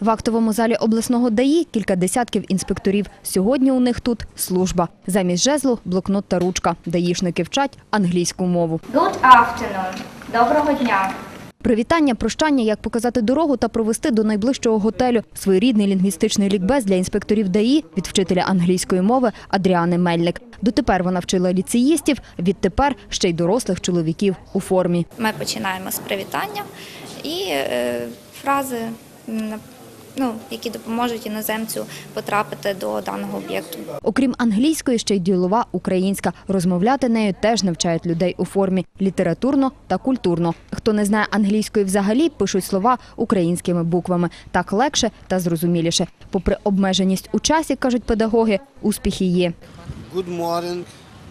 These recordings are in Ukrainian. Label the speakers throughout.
Speaker 1: В актовому залі обласного ДАІ кілька десятків інспекторів. Сьогодні у них тут служба. Замість жезлу – блокнот та ручка. даїшники вчать англійську мову.
Speaker 2: Good afternoon. Доброго дня.
Speaker 1: Привітання, прощання, як показати дорогу та провести до найближчого готелю. Своєрідний лінгвістичний лікбез для інспекторів ДАІ від вчителя англійської мови Адріани Мельник. Дотепер вона вчила ліцеїстів, відтепер ще й дорослих чоловіків у формі.
Speaker 3: Ми починаємо з привітання і фрази, які допоможуть іноземцю потрапити до даного об'єкту.
Speaker 1: Окрім англійської, ще й ділова українська. Розмовляти нею теж навчають людей у формі літературно та культурно. Хто не знає англійської взагалі, пишуть слова українськими буквами. Так легше та зрозуміліше. Попри обмеженість у часі, кажуть педагоги, успіхи є.
Speaker 4: Good morning,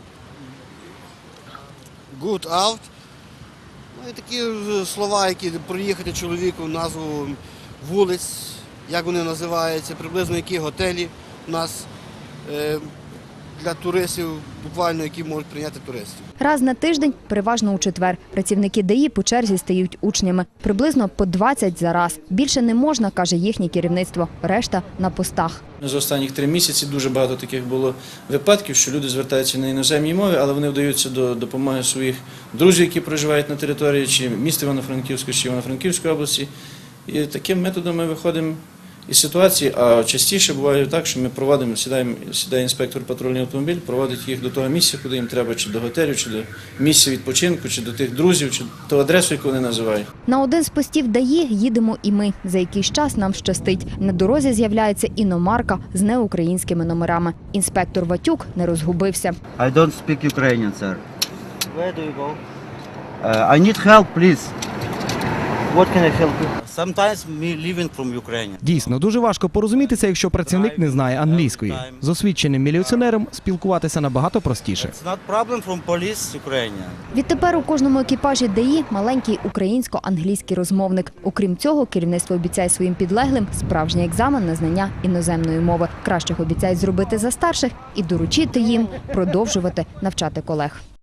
Speaker 4: good out. І такі слова, які проїхати чоловіку, назву вулиць, як вони називаються, приблизно які готелі у нас для туристів, буквально які можуть прийняти туристів.
Speaker 1: Раз на тиждень, переважно у четвер, працівники ДАІ по черзі стають учнями. Приблизно по 20 за раз. Більше не можна, каже їхнє керівництво. Решта на постах.
Speaker 5: За останні 3 місяці дуже багато таких було випадків, що люди звертаються на іноземній мові, але вони вдаються до допомоги своїх друзів, які проживають на території чи міста Івано-Франківської, чи Івано-Франківської області. І таким методом ми виходимо із ситуації, а частіше буває так, що ми проводимо, сідає інспектор патрульний автомобіль, проводить їх до того місця, куди їм треба, чи до готелю, чи до місця відпочинку, чи до тих друзів, чи ту адресу, яку вони називають.
Speaker 1: На один з постів ДАІ їдемо і ми. За якийсь час нам щастить. На дорозі з'являється іномарка з неукраїнськими номерами. Інспектор Ватюк не розгубився.
Speaker 6: I don't speak Ukrainian, sir. Where do you go? I need help, please. What can I help you? Sometimes me leaving from Ukraine.
Speaker 7: Дійсно, дуже важко порозумітися, якщо працівник не знає англійської. З освіченим міліціонером спілкуватися набагато простіше.
Speaker 6: It's not problem from police Ukraine.
Speaker 1: Відтепер у кожному екіпажі ДАІ маленький українсько-англійський розмовник. Окрім цього, керівництво обіцяє своїм підлеглим справжній екзамен на знання іноземної мови. Кращих обіцяють зробити за старших і доручити їм продовжувати навчати колег.